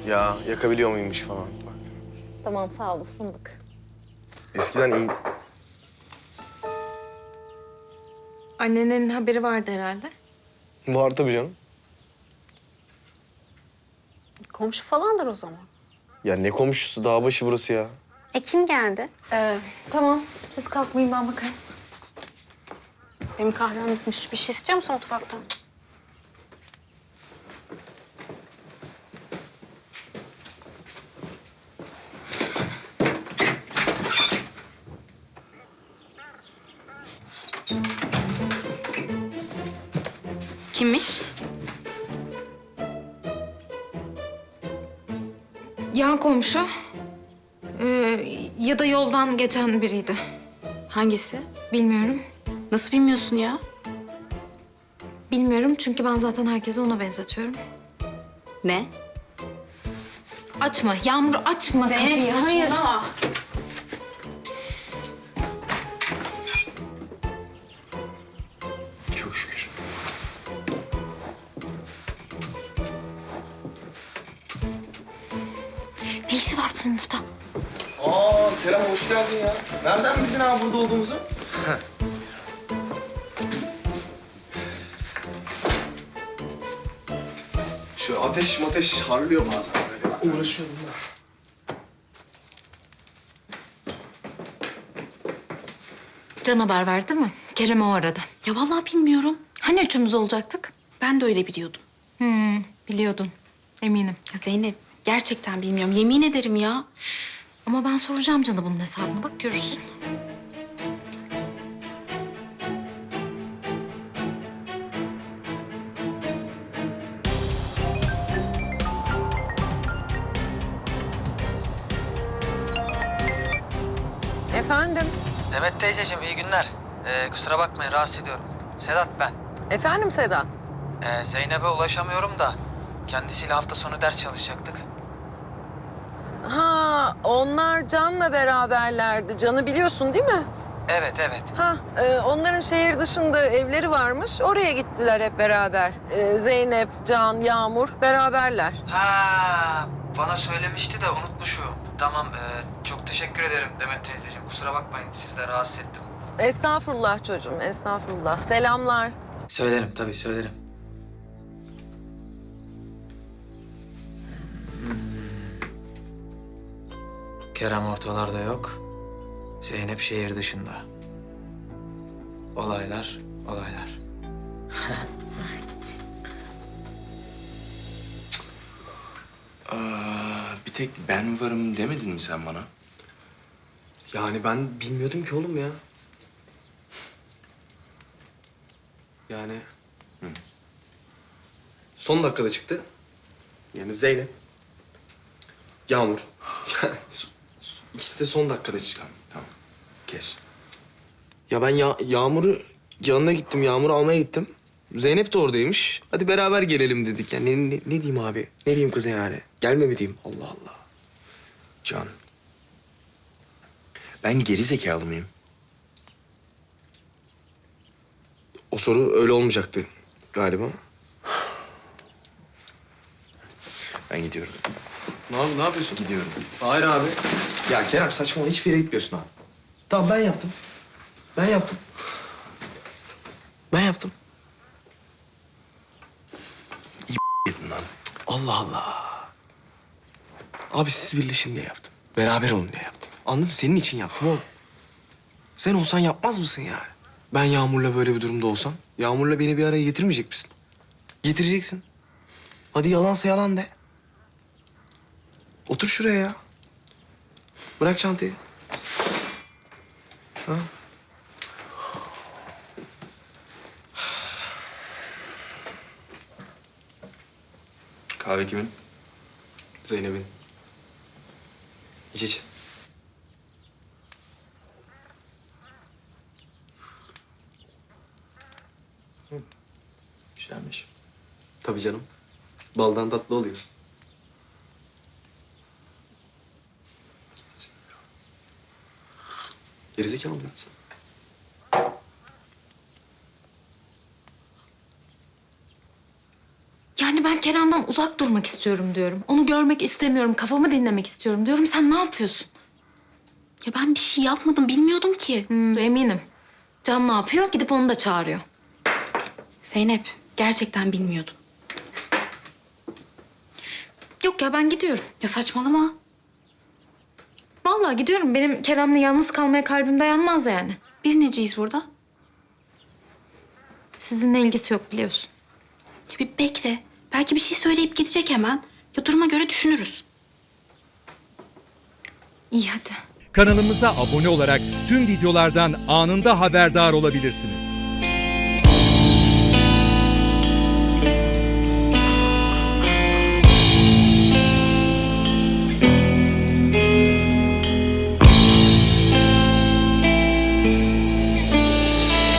Ya yakabiliyor muymuş falan. Bak. Tamam sağ ol ısındık. Eskiden Annenin haberi vardı herhalde. var tabii canım. Komşu falandır o zaman. Ya ne komşusu, dağ başı burası ya. Kim geldi? Tamam siz kalkmayın ben bakarım. Benim kahvem bitmiş. Bir şey istiyor musun mutfaktan? Kimmiş? Yan komşu. Ya da yoldan geçen biriydi. Hangisi? Bilmiyorum. Nasıl bilmiyorsun ya? Bilmiyorum çünkü ben zaten herkesi ona benzetiyorum. Ne? Açma Yağmur açma kapıyı. Hayır. Çok şükür. Ne işi var bunun burada? Aa Kerem hoş geldin ya. Nereden bildin abi burada olduğumuzu? Şu ateş harlıyor bazen böyle. Ben uğraşıyorum da. Can haber verdi mi? Kerem o aradı. Ya vallahi bilmiyorum. Hani üçümüz olacaktık? Ben de öyle biliyordum. Biliyordun. Eminim. Ya Zeynep, gerçekten bilmiyorum. Yemin ederim ya. Ama ben soracağım Can'a bunun hesabını. Bak görürsün. Efendim? Demet teyzeciğim iyi günler. Kusura bakmayın rahatsız ediyorum. Sedat ben. Efendim Sedat? Zeynep'e ulaşamıyorum da kendisiyle hafta sonu ders çalışacaktık. Ha, onlar Can'la beraberlerdi. Can'ı biliyorsun değil mi? Evet. Ha, onların şehir dışında evleri varmış. Oraya gittiler hep beraber. Zeynep, Can, Yağmur beraberler. Ha, bana söylemişti de unutmuşum. Tamam çok teşekkür ederim Demet teyzeciğim. Kusura bakmayın sizi de rahatsız ettim. Estağfurullah çocuğum, estağfurullah. Selamlar. Söylerim tabii söylerim. Kerem ortalarda yok. Zeynep şehir dışında. Olaylar. Bir tek ben varım demedin mi sen bana? Yani ben bilmiyordum ki oğlum ya. Yani... Son dakikada çıktı. Yani Zeynep. Yağmur. İkisi de son dakikada çıktı. Tamam, kes. Ya ben Yağmur'u yanına gittim. Yağmur'u almaya gittim. Zeynep de oradaymış. Hadi beraber gelelim dedik. Yani ne diyeyim abi? Ne diyeyim kıza yani? Gelme mi diyeyim? Allah Allah. Can. Ben geri zekalı mıyım? O soru öyle olmayacaktı galiba. Ben gidiyorum. Ne yapıyorsun? Gidiyorum. Hayır abi. Ya Kerem saçmalama. Hiçbir yere gitmiyorsun abi. Tamam ben yaptım. Ben yaptım. Gidin lan. Allah Allah. Abi siz birleşin diye yaptım. Beraber olun diye yaptım. Anladın? Senin için yaptım oğlum. Sen olsan yapmaz mısın yani? Ben Yağmur'la böyle bir durumda olsam, Yağmur'la beni bir araya getirmeyecek misin? Getireceksin. Hadi yalansa yalan de. Otur şuraya ya. Bırak çantayı. Ha? Kahve kimin? Zeynep'in. İç. Güzelmiş. Tabii canım. Baldan tatlı oluyor. Gerizekalı mısın sen? Yani ben Kerem'den uzak durmak istiyorum diyorum. Onu görmek istemiyorum, kafamı dinlemek istiyorum diyorum. Sen ne yapıyorsun? Ya ben bir şey yapmadım, bilmiyordum ki. Eminim. Can ne yapıyor? Gidip onu da çağırıyor. Zeynep, gerçekten bilmiyordum. Yok ya, ben gidiyorum. Ya saçmalama. Vallahi gidiyorum. Benim Kerem'le yalnız kalmaya kalbim dayanmaz yani. Biz neciyiz burada? Sizinle ilgisi yok biliyorsun. Ya bir bekle. Belki bir şey söyleyip gidecek hemen. Ya duruma göre düşünürüz. İyi hadi. Kanalımıza abone olarak tüm videolardan anında haberdar olabilirsiniz.